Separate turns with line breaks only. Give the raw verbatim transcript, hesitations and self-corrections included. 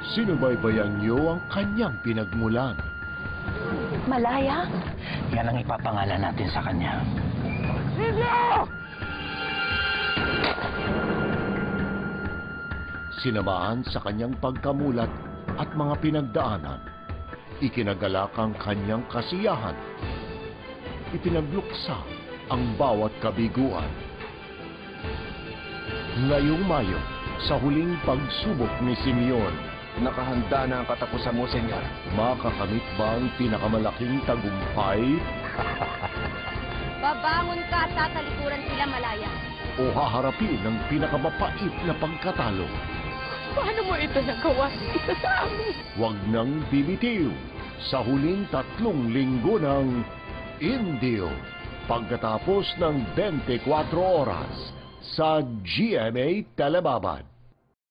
Sinubaybayan niyo ang kanyang pinagmulan.
Malaya?
Yan ang ipapangalan natin sa kanya.
Sinamahan sa kanyang pagkamulat at mga pinagdaanan, ikinagalak ang kanyang kasiyahan. Ipinagluksa ang bawat kabiguan. Ngayong Mayo, sa huling pagsubok ni Simeon,
Nakahanda na ang katapusan mo, Senyor.
makakamit ba ang pinakamalaking tagumpay
Babangon ka at tatalikuran sila, Malaya.
o haharapin ang pinakamapait na pagkatalo?
Paano mo ito nagawa? Isa sa amin.
Huwag nang bibitiw sa huling tatlong linggo ng Indio pagkatapos ng twenty-four oras sa G M A Telebabad.